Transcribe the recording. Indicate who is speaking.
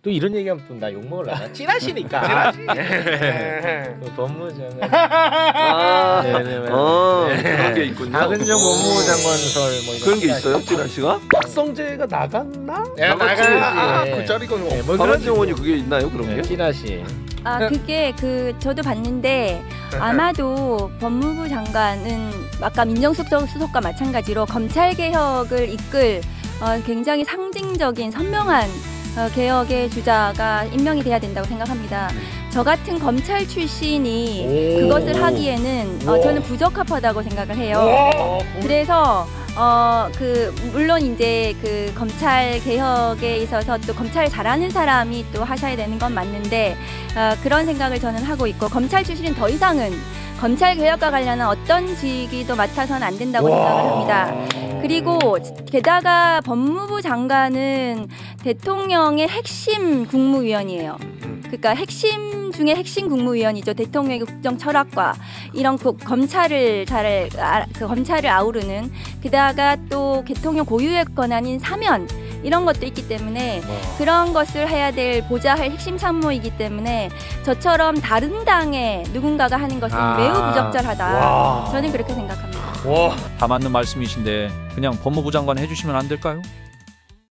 Speaker 1: 또 이런 얘기하면 또 나 욕 먹으려나? 찌라시니까. 그 법무장관.
Speaker 2: 아,
Speaker 1: 네네.
Speaker 2: 그런 게 있군요.
Speaker 1: 박은정 법무부 장관설 뭐 이런
Speaker 2: 그런 게
Speaker 1: 찌라시.
Speaker 2: 있어요, 찌라시가?
Speaker 3: 박성재가 나갔나?
Speaker 1: 야,
Speaker 2: 나갔지.
Speaker 1: 나가야지.
Speaker 3: 그 자리가
Speaker 1: 네, 뭐 그런
Speaker 2: 박은정원이 그게 있나요, 그런 게?
Speaker 1: 찌라시.
Speaker 4: 아 그게 저도 봤는데 아마도 법무부 장관은 아까 민정수석 수석과 마찬가지로 검찰 개혁을 이끌 굉장히 상징적인 선명한 개혁의 주자가 임명이 돼야 된다고 생각합니다. 저 같은 검찰 출신이 그것을 하기에는 저는 부적합하다고 생각을 해요. 그래서 물론 이제 그 검찰 개혁에 있어서 또 검찰 잘하는 사람이 또 하셔야 되는 건 맞는데 그런 생각을 저는 하고 있고 검찰 출신은 더 이상은 검찰 개혁과 관련한 어떤 직위도 맡아서는 안 된다고 생각을 합니다. 그리고 게다가 법무부 장관은 대통령의 핵심 국무위원이에요. 그러니까 핵심 중에 핵심 국무위원이죠. 대통령의 국정 철학과 이런 검찰을 검찰을 아우르는 게다가 또 대통령 고유의 권한인 사면 이런 것도 있기 때문에 그런 것을 해야 될 보좌할 핵심 참모이기 때문에 저처럼 다른 당의 누군가가 하는 것은 매우 부적절하다. 저는 그렇게 생각합니다.
Speaker 5: 다 맞는 말씀이신데 그냥 법무부 장관 해주시면 안 될까요?